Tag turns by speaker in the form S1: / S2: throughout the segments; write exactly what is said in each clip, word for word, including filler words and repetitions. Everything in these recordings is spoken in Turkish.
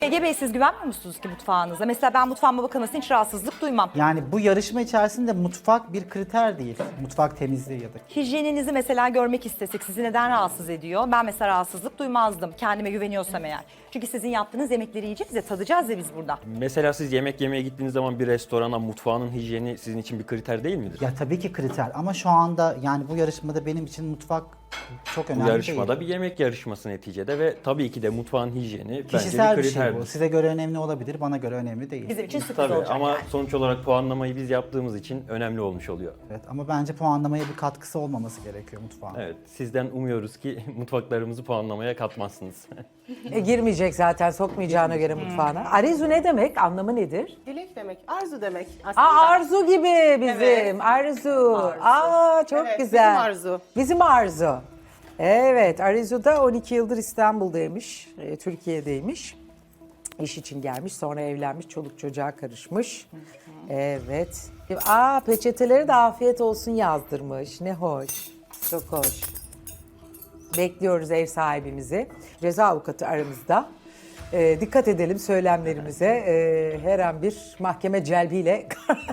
S1: Ege Bey, siz güvenmiyor musunuz ki mutfağınıza? Mesela ben mutfağıma bakılmasına hiç rahatsızlık duymam.
S2: Yani bu yarışma içerisinde mutfak bir kriter değil. Mutfak temizliği ya da.
S1: Hijyeninizi mesela görmek istesek sizi neden rahatsız ediyor? Ben mesela rahatsızlık duymazdım kendime güveniyorsam eğer. Çünkü sizin yaptığınız yemekleri yiyeceğiz ya, tadacağız ya biz burada.
S3: Mesela siz yemek yemeye gittiğiniz zaman bir restorana mutfağının hijyeni sizin için bir kriter değil midir?
S2: Ya tabii ki kriter ama şu anda yani bu yarışmada benim için mutfak çok önemli
S3: Bu yarışmada
S2: değil.
S3: bir yemek yarışması neticede ve tabii ki de mutfağın hijyeni
S2: Kişisel
S3: bence
S2: bir
S3: bir
S2: şey
S3: kriterdir.
S2: bu. Size göre önemli olabilir, bana göre önemli değil.
S1: Bizim için sürpriz
S3: Tabii
S1: olacak
S3: ama
S1: yani.
S3: sonuç olarak puanlamayı biz yaptığımız için önemli olmuş oluyor.
S2: Evet, ama bence puanlamaya bir katkısı olmaması gerekiyor mutfağın.
S3: Evet, sizden umuyoruz ki mutfaklarımızı puanlamaya katmazsınız.
S4: E, girmeyecek zaten, sokmayacağına göre mutfağına. Arzu ne demek? Anlamı nedir?
S5: Dilek demek, arzu demek aslında.
S4: Aa, arzu gibi bizim.
S5: Evet.
S4: Arzu. Aa, çok
S5: Evet,
S4: güzel.
S5: bizim arzu.
S4: Bizim arzu. Evet, Arzu da on iki yıldır İstanbul'daymış, e, Türkiye'deymiş. İş için gelmiş, sonra evlenmiş, çoluk çocuğa karışmış. Evet. Aa, peçeteleri de afiyet olsun yazdırmış. Ne hoş. Çok hoş. Bekliyoruz ev sahibimizi. Ceza avukatı aramızda. Ee, dikkat edelim söylemlerimize. Ee, her an bir mahkeme celbiyle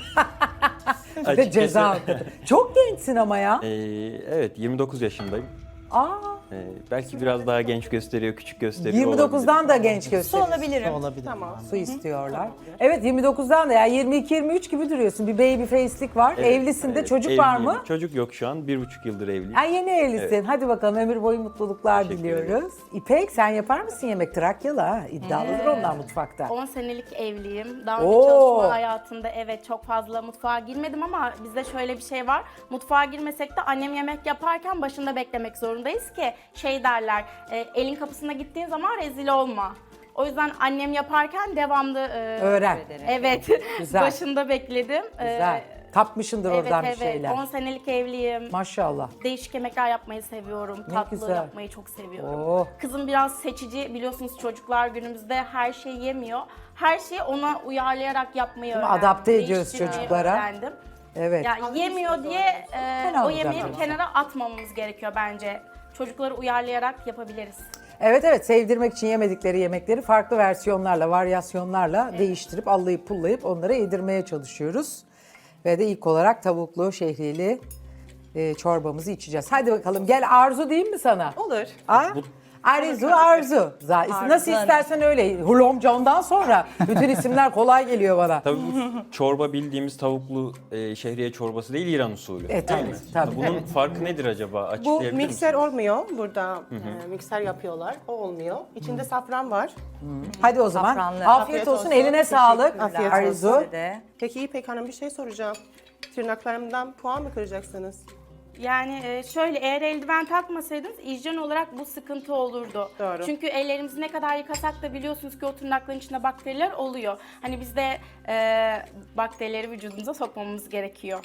S4: ve
S3: Açıkçası-
S4: ceza avukatı. Çok gençsin ama ya.
S3: Ee, evet, yirmi dokuz yaşındayım.
S4: Aa,
S3: Ee, belki biraz daha genç gösteriyor, küçük gösteriyor
S4: yirmi dokuzdan
S3: olabilir.
S4: da genç
S1: Su
S4: gösteriyor.
S1: olabilirim.
S2: Olabilir.
S5: Tamam.
S2: yani.
S4: Su istiyorlar. Evet, yirmi dokuzdan da ya yirmi iki yirmi üç gibi duruyorsun. Bir baby face'lik var.
S3: Evet,
S4: Evlisin de,
S3: evet,
S4: çocuk var
S3: evliyim.
S4: mı?
S3: Çocuk yok şu an, bir buçuk yıldır evliyim.
S4: Ha, yeni evlisin.
S3: Evet.
S4: Hadi bakalım, ömür boyu mutluluklar
S3: Teşekkür
S4: diliyoruz. İpek, sen yapar mısın yemek? Trakyalı ha. İddialıdır onlar mutfakta.
S6: on senelik evliyim. Daha önce
S4: Oo.
S6: çalışma hayatında evet çok fazla mutfağa girmedim ama bizde şöyle bir şey var. Mutfağa girmesek de annem yemek yaparken başında beklemek zorundayız ki şey derler, e, elin kapısına gittiğin zaman rezil olma. O yüzden annem yaparken devamlı e,
S4: Öğren.
S6: evet
S4: Güzel.
S6: başında bekledim. E,
S4: Güzel. Kapmışındır
S6: evet
S4: oradan bir
S6: evet
S4: şeyler.
S6: on senelik evliyim.
S4: Maşallah.
S6: Değişik yemekler yapmayı seviyorum.
S4: Ne
S6: Tatlı
S4: güzel.
S6: yapmayı çok seviyorum.
S4: Oh.
S6: Kızım biraz seçici. Biliyorsunuz çocuklar günümüzde her şeyi yemiyor. Her şeyi ona uyarlayarak yapmayı
S4: Değil mi?
S6: öğrendim.
S4: Adapte ediyoruz
S6: Değiştirmeyi
S4: çocuklara.
S6: öğrendim.
S4: Evet.
S6: Yani yemiyor diye e,
S4: Fena
S6: o
S4: olacak
S6: yemeği bir
S4: ama.
S6: kenara atmamamız gerekiyor bence. Çocukları uyarlayarak yapabiliriz.
S4: Evet evet, sevdirmek için yemedikleri yemekleri farklı versiyonlarla, varyasyonlarla değiştirip, allayıp pullayıp onlara yedirmeye çalışıyoruz. Ve de ilk olarak tavuklu, şehriyeli e, çorbamızı içeceğiz. Hadi bakalım, gel Arzu diyeyim mi sana?
S5: Olur.
S4: Ha? Arzu, Arzu. Za- Nasıl
S1: Hanım.
S4: istersen öyle. Hulom John'dan sonra bütün isimler kolay geliyor bana.
S3: Tabii bu çorba bildiğimiz tavuklu e, şehriye çorbası değil, İran usulü.
S4: E,
S3: değil
S4: tabii,
S3: mi?
S4: tabii.
S3: Bunun farkı nedir acaba?
S5: Bu
S3: Açıklayabilir
S5: mikser
S3: misiniz?
S5: olmuyor. Burada e, mikser yapıyorlar. O olmuyor. İçinde safran var.
S4: Hadi o zaman.
S1: Safranlı.
S4: Afiyet,
S5: Afiyet
S4: olsun,
S5: olsun.
S4: eline sağlık.
S5: Afiyet
S4: Arzu.
S5: olsun.
S1: De.
S5: Peki İpek Hanım bir şey soracağım. Tırnaklarımdan puan mı kıracaksınız?
S6: Yani e, şöyle, eğer eldiven takmasaydınız hijyen olarak bu sıkıntı olurdu.
S5: Doğru.
S6: Çünkü ellerimizi ne kadar yıkasak da biliyorsunuz ki o tırnakların içinde bakteriler oluyor. Hani biz de e, bakterileri vücudumuza sokmamamız gerekiyor.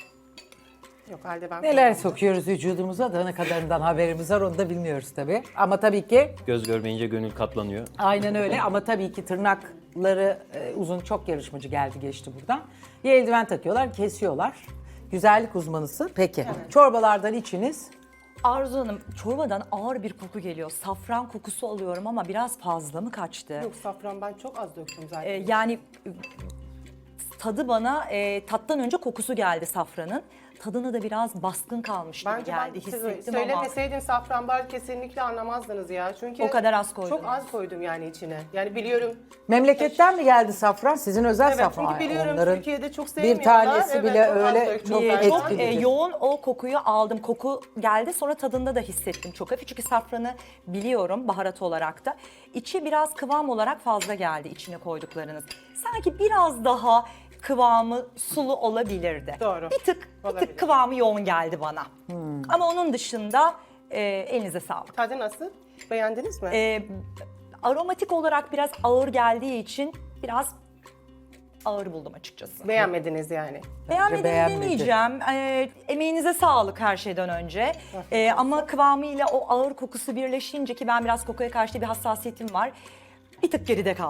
S5: Yok halde ben
S4: Neler sokuyoruz vücudumuza da ne kadarından haberimiz var onu da bilmiyoruz tabii. Ama tabii ki
S3: Göz görmeyince gönül katlanıyor.
S4: aynen öyle ama tabii ki tırnakları e, uzun, çok yarışmacı geldi geçti buradan. Bir eldiven takıyorlar, kesiyorlar. Güzellik uzmanısı. Peki. Çorbalardan içiniz.
S1: Arzu Hanım, çorbadan ağır bir koku geliyor. Safran kokusu alıyorum ama biraz fazla mı kaçtı?
S5: Yok safran ben çok az döktüm zaten.
S1: Ee, yani e, tadı bana e, tattan önce kokusu geldi safranın. Tadını da biraz baskın kalmış gibi
S5: Bence
S1: geldi,
S5: ben size
S1: hissettim ama.
S5: söylemeseydin safran bar kesinlikle anlamazdınız ya. Çünkü
S1: O kadar az koydunuz.
S5: Çok az koydum yani içine. Yani biliyorum.
S4: Memleketten mi geldi safran? Sizin özel
S5: Evet
S4: safran.
S5: çünkü biliyorum
S4: Onların
S5: Türkiye'de çok
S4: bir
S5: sevmiyorlar.
S4: tanesi
S5: Evet,
S4: bile
S5: çok az
S4: öyle
S5: döktüm
S4: çok
S1: Ee,
S5: zaten.
S1: çok e,
S4: etkilidir.
S1: yoğun o kokuyu aldım. Koku geldi, sonra tadında da hissettim çok hafif. Çünkü safranı biliyorum baharat olarak da. İçi biraz kıvam olarak fazla geldi içine koyduklarınız. Sanki biraz daha kıvamı sulu olabilirdi.
S5: Doğru.
S1: Bir tık, bir
S5: Olabilir.
S1: tık kıvamı yoğun geldi bana. Ama onun dışında e, elinize sağlık.
S5: Tadı nasıl? Beğendiniz mi?
S1: E, aromatik olarak biraz ağır geldiği için biraz ağır buldum açıkçası.
S5: Beğenmediniz yani.
S1: Beğenmedim
S4: beğenmedi.
S1: demeyeceğim. Ee, emeğinize sağlık her şeyden önce. Ee, ama kıvamıyla o ağır kokusu birleşince, ki ben biraz kokuya karşı bir hassasiyetim var, bir tık geride kaldım.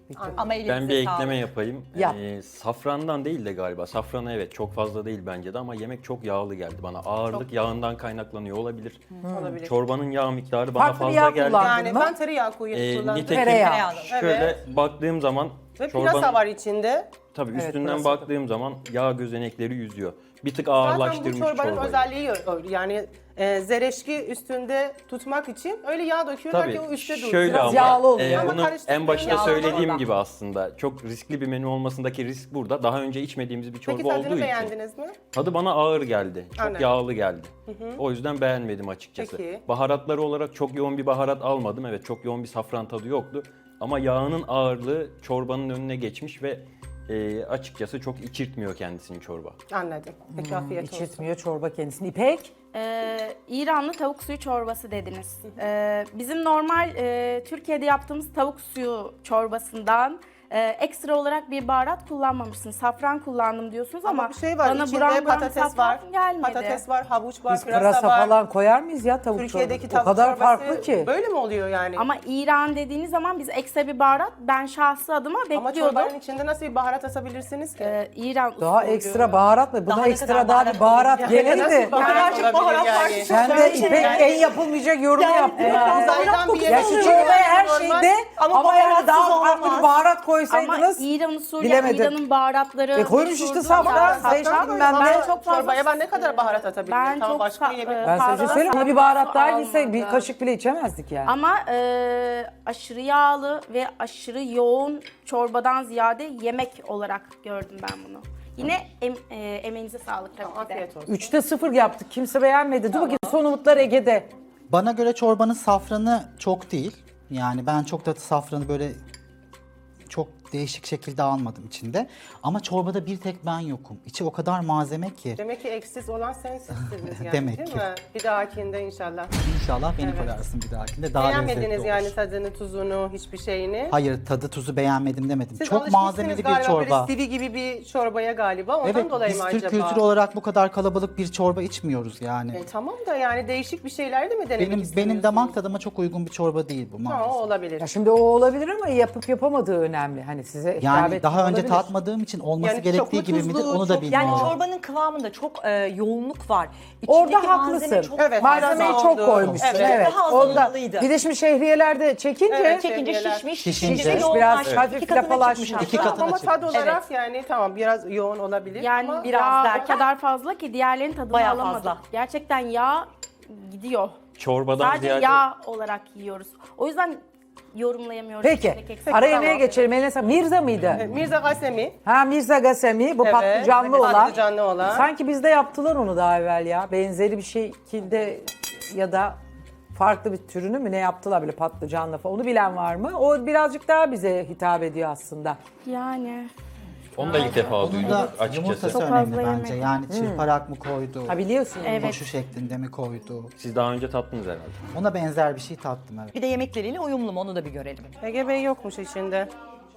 S1: Ama elinize
S3: Ben bir
S1: sağlık.
S3: ekleme yapayım.
S4: Yap.
S3: Ee, safrandan değil de galiba. Safranı evet çok fazla değil bence de ama yemek çok yağlı geldi bana. Ağırlık yağından kaynaklanıyor olabilir.
S5: Olabilir.
S3: Çorbanın yağ miktarı bana
S4: Farklı bir
S3: fazla
S4: yağ
S3: geldi.
S4: kullandın
S5: Yani
S4: mı?
S5: ben tereyağı koyu
S3: Ee,
S5: kullandım.
S3: nitekim
S4: Tereyağı.
S3: şöyle
S5: Evet.
S3: baktığım zaman
S5: Ve
S3: çorbanın
S5: pırasa var içinde.
S3: tabii
S4: Evet,
S3: üstünden
S4: pırasa.
S3: baktığım zaman yağ gözenekleri yüzüyor. Bir tık
S5: Zaten bu
S3: ağırlaştırmış
S5: çorbanın
S3: çorbayı.
S5: özelliği öyle. Yani e, zereşki üstünde tutmak için öyle yağ döküyorlar
S3: Tabii
S5: ki o üstte dursun.
S3: şöyle
S4: Biraz
S3: ama
S4: yağlı oluyor.
S3: e,
S5: Ama
S3: bunu
S5: karıştırdığın
S3: en başta
S5: yağlı
S3: söylediğim
S5: orada.
S3: gibi aslında çok riskli bir menü olmasındaki risk burada. Daha önce içmediğimiz bir çorba
S5: Peki tadını
S3: olduğu için.
S5: beğendiniz mi?
S3: Tadı bana ağır geldi. Çok
S5: Anladım.
S3: yağlı geldi. O yüzden beğenmedim açıkçası.
S5: Peki.
S3: Baharatları olarak çok yoğun bir baharat almadım. Evet çok yoğun bir safran tadı yoktu. Ama yağının ağırlığı çorbanın önüne geçmiş ve e, açıkçası çok içirtmiyor kendisini çorba.
S5: Anladım. Peki afiyet olsun.
S4: İçirtmiyor çorba kendisini. İpek?
S6: Ee, İranlı tavuk suyu çorbası dediniz. Ee, bizim normal e, Türkiye'de yaptığımız tavuk suyu çorbasından e, ekstra olarak bir baharat kullanmamışsınız. Safran kullandım diyorsunuz ama,
S5: Ama bir şey var.
S6: bana
S5: İçinde
S6: buram buram
S5: patates
S6: safran
S5: var.
S6: gelmedi.
S5: Patates var, havuç var,
S4: Biz
S5: pırasa,
S4: pırasa
S5: var.
S4: falan koyar mıyız ya tavuk
S5: Türkiye'deki
S4: çorbası?
S5: tavuk
S4: O kadar
S5: çorbası
S4: farklı ki.
S5: böyle mi oluyor yani?
S6: Ama İran dediğiniz zaman biz ekstra bir baharat, ben şahsı adıma
S5: Ama
S6: bekliyordum.
S5: çorbanın içinde nasıl bir baharat asabilirsiniz ki?
S6: Ee, İran
S4: Daha
S6: usulü.
S4: ekstra baharat mı? Buna
S1: Daha ne
S4: ekstra
S1: kadar
S4: daha
S1: baharat
S4: bir baharat
S1: olabilir?
S5: Ya
S4: gelirdi.
S5: nasıl baharat
S1: Birazcık
S5: olabilir
S1: baharat
S5: yani?
S1: var.
S4: Sen de
S1: Yani-
S4: İpek en yapılmayacak yorum
S1: Yani
S4: yaptın.
S1: biraz
S4: ha.
S1: baharat
S5: Uzaydan bir
S1: kokusu
S5: yemek
S4: Ya şu
S1: oluyor.
S4: çorbaya her
S5: Normal.
S4: şeyde
S1: Ama
S4: ama, yani
S1: baharatsız
S4: daha farklı
S1: olmaz.
S4: bir baharat
S6: Ama
S4: koysaydınız
S6: İran usulü,
S4: bilemedim.
S6: İran'ın baharatları...
S4: E koymuş işte
S6: meşhurdur.
S4: safran,
S6: Ya,
S4: sayın
S6: safran
S4: Şefim,
S6: ben,
S4: ben de-
S6: çok fazla...
S5: Çorbaya ben ne kadar baharat atabilirim?
S6: Ben
S5: Tamam,
S6: çok
S5: başka
S6: sa-
S5: bir yemek.
S6: e,
S4: ben size
S6: fazla
S4: söyleyeyim ona bir
S6: safran
S4: baharat daha
S6: almadım.
S4: gitse bir kaşık bile içemezdik yani.
S6: Ama e, aşırı yağlı ve aşırı yoğun çorbadan ziyade yemek olarak gördüm ben bunu. Yine em, e, emeğinize sağlık tabii ki de.
S5: Afiyet olsun.
S4: Üçte sıfır yaptık. Kimse beğenmedi. Dur bakayım son umutlar Ege'de.
S2: Bana göre çorbanın safranı çok değil. Yani ben çok da safranı böyle çok değişik şekilde almadım içinde. Ama çorbada bir tek ben yokum. İçi o kadar malzeme ki.
S5: Demek ki eksiz olan sensizsiniz yani
S2: Demek
S5: değil
S2: ki.
S5: mi? Bir dahakinde inşallah.
S2: İnşallah beni
S5: Evet.
S2: koyarsın bir dahakinde. Daha lezzetli
S5: Beğenmediniz
S2: olur.
S5: yani tadını, tuzunu, hiçbir şeyini.
S2: Hayır, tadı tuzu beğenmedim demedim.
S5: Siz
S2: çok
S5: alışmışsınız
S2: malzemeli bir
S5: galiba
S2: çorba.
S5: böyle sivi gibi bir çorbaya galiba. Ondan
S2: Evet,
S5: dolayı
S2: biz
S5: mı
S2: Türk
S5: acaba?
S2: kültürü olarak bu kadar kalabalık bir çorba içmiyoruz yani.
S5: E, tamam da yani değişik bir şeyler de mi denemek
S2: benim
S5: istiyorsunuz?
S2: benim damak tadıma çok uygun bir çorba değil bu
S5: Ha,
S2: maalesef.
S5: o olabilir.
S4: Ya şimdi o olabilir ama yapıp yapamadığı önemli. Hani size hitap
S2: Yani
S4: etmiyor
S2: daha önce
S4: olabilir.
S2: tatmadığım için olması
S5: Yani çok
S2: gerektiği
S5: mu
S2: gibi midir
S5: tuzlu,
S2: onu da
S5: çok-
S2: bilmiyorum.
S1: Yani çorbanın kıvamında çok e, yoğunluk var. İçindeki
S4: Orada
S1: malzeme
S4: haklısın.
S1: çok
S5: Evet,
S4: Malzemeyi
S5: biraz
S4: çok
S5: oldu.
S4: koymuşsun.
S5: Evet,
S4: Evet.
S1: daha az
S4: Orada
S1: olmalıydı.
S4: bir de şimdi şehriyelerde çekince
S5: Evet,
S1: Çekince
S5: Şehriyeler.
S1: şişmiş,
S2: Şişince,
S1: şişince
S4: biraz
S1: yoğunlaşmış.
S4: hafif
S1: İki katına
S4: lapalaşmış.
S1: çıkmış
S2: İki
S1: hatta.
S2: katına
S5: Ama tad
S2: çıkmış.
S5: olarak yani tamam biraz yoğun olabilir.
S6: Yani
S5: ama
S1: biraz
S6: yağ
S1: derken-
S6: o kadar fazla ki diğerlerinin tadını
S1: Bayağı
S6: alamadık.
S1: fazla.
S6: Gerçekten yağ gidiyor.
S3: Çorbadan
S6: Sadece
S3: ziyade
S6: yağ olarak yiyoruz. O yüzden yorumlayamıyoruz.
S4: Peki.
S6: içindeki eksik.
S4: Ara yemeğe
S5: tamam.
S4: geçelim. Eline sağlık. Mirza mıydı?
S5: E, Mirza Gasemi.
S4: Ha Mirza Gasemi. Bu
S5: Evet,
S4: patlıcanlı olan.
S5: patlıcanlı olan.
S4: Sanki bizde yaptılar onu daha evvel ya. Benzeri bir şekilde ya da farklı bir türünü mü ne yaptılar böyle patlıcanlı falan. Onu bilen var mı? O birazcık daha bize hitap ediyor aslında.
S6: Yani
S3: onu da ilk defa
S2: Onun
S3: duydum
S2: da
S3: açıkçası.
S2: yumurtası
S6: Çok
S2: önemli
S6: fazla
S2: bence.
S6: yemedim.
S2: Yani çırparak mı koydu?
S4: Ha biliyorsun.
S6: Evet.
S2: Koşu şeklinde mi koydu?
S3: Siz daha önce tattınız herhalde.
S2: Ona benzer bir şey tattım evet.
S1: Bir de yemekleriyle uyumlu mu onu da bir görelim.
S5: Ege Bey yokmuş içinde.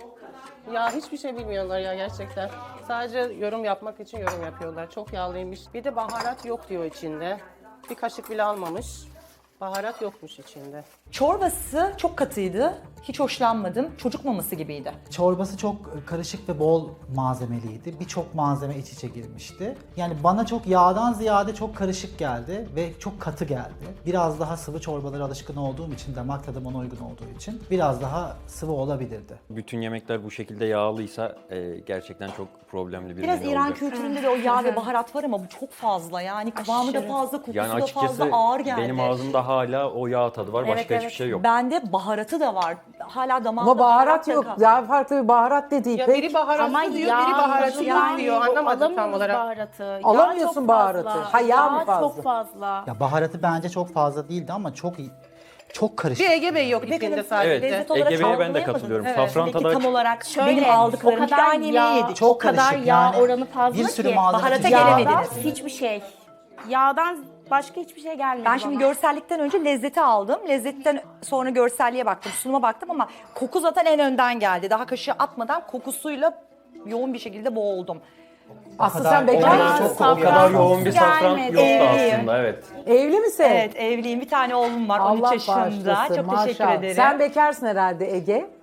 S5: Ya hiçbir şey bilmiyorlar ya gerçekten. Sadece yorum yapmak için yorum yapıyorlar. Çok yağlıymış. Bir de baharat yok diyor içinde. Bir kaşık bile almamış. Baharat yokmuş içinde.
S1: Çorbası çok katıydı. Hiç hoşlanmadım. Çocuk maması gibiydi.
S2: Çorbası çok karışık ve bol malzemeliydi. Birçok malzeme iç içe girmişti. Yani bana çok yağdan ziyade çok karışık geldi ve çok katı geldi. Biraz daha sıvı çorbalara alışkın olduğum için, damak tadım ona uygun olduğu için biraz daha sıvı olabilirdi.
S3: Bütün yemekler bu şekilde yağlıysa e, gerçekten çok problemli bir
S1: Biraz
S3: menü
S1: İran
S3: olacak.
S1: kültüründe de o yağ ve baharat var ama bu çok fazla. Yani kıvamı da
S6: Aşırı.
S1: fazla, kokusu
S3: Yani
S1: da
S3: açıkçası
S1: fazla ağır geldi.
S3: benim ağzımda hala o yağ tadı var.
S6: Evet,
S3: Başka hiçbir
S6: evet.
S3: şey yok.
S1: Bende baharatı da var. Hala damağımda
S4: Ama baharat
S1: da
S4: yok.
S1: kal-
S4: Daha farklı bir baharat dedi
S5: Ya
S4: İpek.
S5: biri baharatlı
S6: ama
S5: diyor,
S6: yağ
S5: biri baharatlı
S6: yani
S5: yok diyor. Anlamadım tam
S6: alamıyoruz
S5: olarak.
S6: baharatı. Yağ
S4: Alamıyorsun
S6: çok
S4: baharatı.
S6: fazla.
S4: Ha, yağ mı fazla?
S6: çok fazla.
S2: Ya baharatı bence çok fazla değildi ama çok çok karışık.
S5: Bir Ege Bey yok içinde sadece.
S3: Evet,
S1: Lezzet olarak
S3: Ege Bey'e ben de
S1: algılayamadınız.
S3: katılıyorum.
S1: Evet.
S3: Safran
S1: Peki
S3: tadı
S1: tam olarak
S6: Şöyle,
S1: benim aldıklarım
S6: o
S1: iki
S6: kadar
S1: tane
S6: yağ,
S1: yemeği yedik.
S2: Çok
S6: o kadar
S2: karışık
S6: yağ
S2: yani.
S6: oranı fazla
S2: Bir sürü
S6: ki.
S2: malzeme
S1: Baharata
S2: içinde var.
S1: gelemediniz.
S6: Hiçbir şey. Yağdan başka hiçbir şey gelmedi
S1: Ben şimdi
S6: bana.
S1: görsellikten önce lezzeti aldım. Lezzetten sonra görselliğe baktım, sunuma baktım ama koku zaten en önden geldi. Daha kaşığı atmadan kokusuyla yoğun bir şekilde boğuldum.
S4: Aslı
S2: kadar-
S4: sen
S2: o
S4: bekar
S2: kadar
S4: mısın?
S2: çok
S3: o
S2: kokuyor.
S3: kadar yoğun bir safran
S6: Gelmedi.
S3: yoktu
S1: Evliyim.
S3: aslında evet.
S4: Evli misin?
S1: Evet, evliyim. Bir tane oğlum var on üç
S4: Allah
S1: yaşında.
S4: bağışlasın,
S1: Çok teşekkür
S4: maşallah.
S1: ederim.
S4: Sen bekarsın herhalde Ege.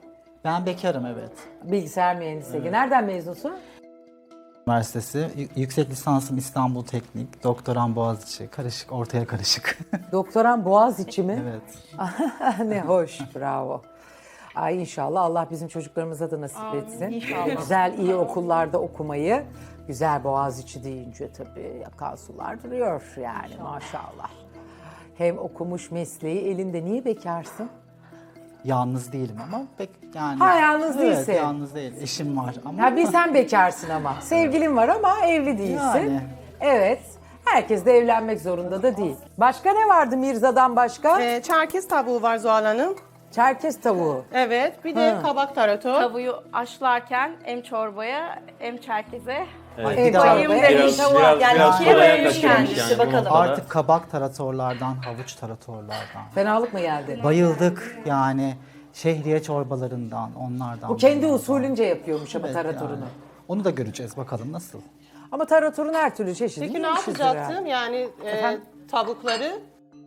S2: Ben bekarım, evet.
S4: Bilgisayar mühendisliği. Nereden mezunsun?
S2: Üniversitesi, y- yüksek lisansım İstanbul Teknik, doktoram Boğaziçi, karışık, ortaya karışık.
S4: Doktoran Boğaziçi mi?
S2: Evet.
S4: Ne hoş, bravo. Ay inşallah Allah bizim çocuklarımıza da nasip etsin.
S1: inşallah.
S4: Güzel, iyi okullarda okumayı. Güzel Boğaziçi deyince tabii yakan sular duruyor yani maşallah. Hem okumuş mesleği elinde. Niye bekarsın?
S2: Yalnız değilim ama pek yani...
S4: Ha, yalnız
S2: evet,
S4: değilsin.
S2: yalnız değil. Eşim var ama...
S4: Ha bir sen bekarsın ama. Sevgilin var ama evli değilsin.
S2: Yani.
S4: Evet. Herkes de evlenmek zorunda da değil. Başka ne vardı Mirza'dan başka?
S5: Ee, Çerkez tavuğu var Zuhal Hanım.
S4: Çerkez tavuğu.
S5: Evet, bir de kabak tarator.
S6: Tavuğu haşlarken hem çorbaya hem çerkeze.
S2: Ay,
S4: Evet,
S2: bir daha-
S6: bayım
S3: Biraz,
S6: demiş.
S3: biraz,
S1: Yani
S3: biraz
S1: ikiye
S3: kolaya
S1: bölünmüş
S3: kaçırmış
S1: kendisi,
S3: yani bu
S1: bakalım.
S3: noktada.
S2: Artık kabak taratorlardan, havuç taratorlardan.
S4: Fenalık mı geldi?
S2: Bayıldık yani şehriye çorbalarından, onlardan.
S4: Bu kendi
S2: bunlardan.
S4: usulünce yapıyormuş ama
S2: Evet,
S4: taratorunu.
S2: yani. Onu da göreceğiz bakalım nasıl.
S4: Ama taratorun her türlü çeşidini
S5: Peki ne
S4: yemişizdir
S5: yapacaktım?
S4: herhalde.
S5: Yani e,
S4: Efendim?
S5: tavukları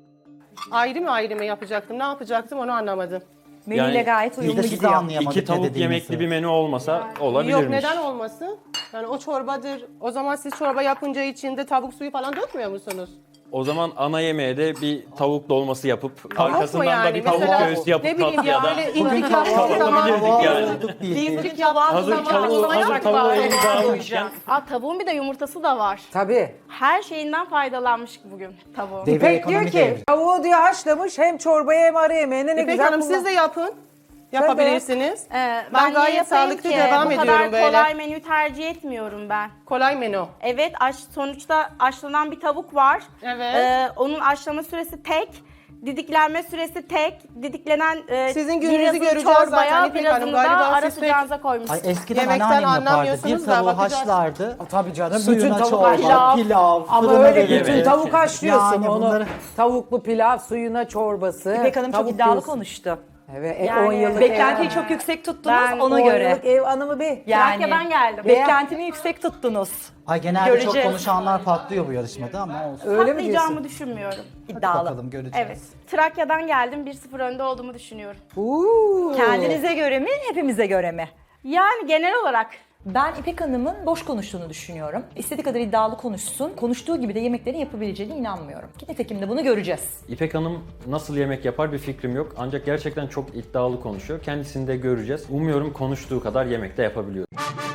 S5: ayrı mı ayrı mı yapacaktım? Ne yapacaktım onu anlamadım.
S1: Menüyle
S3: Yani
S1: gayet
S2: Biz
S1: uyumlu
S2: de sizi
S1: gidiyor.
S2: anlayamadık
S3: İki tavuk
S2: ne dediğinizi.
S3: yemekli bir menü olmasa olabilirmiş.
S5: Yok neden olmasın? Yani o çorbadır. O zaman siz çorba yapınca içinde tavuk suyu falan dökmüyor musunuz?
S3: O zaman ana yemeğe de bir tavuk dolması yapıp arkasından
S5: mu yani?
S3: da bir tavuk
S5: Mesela
S3: göğsü yapıp
S5: ne bileyim
S3: tatlıya
S5: ya
S3: da
S5: öyle
S2: Bugün
S5: İlk
S2: kahvaltı
S5: yaptığı zaman
S3: yapabilirdik yani.
S2: olduk bildik.
S1: Beef kebap
S3: Hazır
S1: zaman
S3: tavuğu,
S1: o zaman
S3: hazır
S1: çok
S3: tavuğu
S1: var.
S3: elimize almışken
S6: Aa, tavuğun bir de yumurtası da var.
S4: Tabii.
S6: Her şeyinden faydalanmış bugün tavuğun.
S2: Dev-
S4: İpek diyor
S2: ekonomik
S4: ki
S2: devrim.
S4: tavuğu diyor haşlamış hem çorbaya hem ara yemeğine ne
S5: İpek
S4: güzel
S5: Hanım
S4: kullan-
S5: siz de yapın. Yapabilirsiniz.
S6: Ee, ben,
S5: Ben
S6: niye
S5: gayet
S6: yapayım
S5: sağlıklı
S6: ki?
S5: devam
S6: Bu
S5: ediyorum
S6: kadar
S5: böyle.
S6: kolay menü tercih etmiyorum ben.
S5: Kolay menü.
S6: Evet, aş, sonuçta haşlanan bir tavuk var.
S5: Evet.
S6: Ee, onun haşlama süresi tek, didiklenme süresi tek, didiklenen e,
S5: Sizin gününüzü
S6: birazını
S5: göreceğiz
S6: çorbaya,
S5: zaten İpek Hanım.
S6: birazını da
S5: Galiba
S6: ara
S5: siz pek-
S6: sıcağınıza koymuşsunuz.
S2: Ay eskiden
S5: Yemekten
S2: anneannem yapardı. Bir
S5: anlamıyorsunuz da
S2: tavuğu
S5: bakacağız.
S2: haşlardı.
S4: Tabii canım.
S2: Suyuna
S4: bütün tavuk
S2: çorba,
S4: haşlar.
S2: pilav,
S4: Ama
S2: fırına
S4: öyle
S2: verir.
S4: bütün tavuk haşlıyorsun
S2: Yani
S4: onu.
S2: bunları-
S4: Tavuklu pilav, suyuna çorbası.
S1: İpek Hanım çok
S4: tavuk
S1: iddialı
S4: göğsü.
S1: konuştu.
S4: Evet,
S6: Yani
S4: on yıllık
S1: Beklentiyi
S4: ev,
S1: çok yüksek tuttunuz
S6: Ben
S1: ona
S4: on
S1: göre.
S4: yıllık ev hanımı bir.
S1: Yani
S6: Trakya'dan geldim.
S1: beklentimi yüksek tuttunuz.
S2: Ay genelde
S1: Göreceğiz.
S2: çok konuşanlar patlıyor bu yarışmada ama olsun.
S4: Öyle mi
S6: Patlayacağımı
S4: diyorsun?
S6: düşünmüyorum.
S1: İddialı.
S2: Bakalım göreceğiz.
S6: Evet. Trakya'dan geldim. bir sıfır önde olduğumu düşünüyorum.
S4: Uuu.
S1: Kendinize göre mi, hepimize göre mi?
S6: Yani genel olarak
S1: Ben İpek Hanım'ın boş konuştuğunu düşünüyorum. İstediği kadar iddialı konuşsun. Konuştuğu gibi de yemekleri yapabileceğine inanmıyorum. Ki nitekim de bunu göreceğiz.
S3: İpek Hanım nasıl yemek yapar bir fikrim yok. Ancak gerçekten çok iddialı konuşuyor. Kendisini de göreceğiz. Umuyorum konuştuğu kadar yemek de yapabiliyor.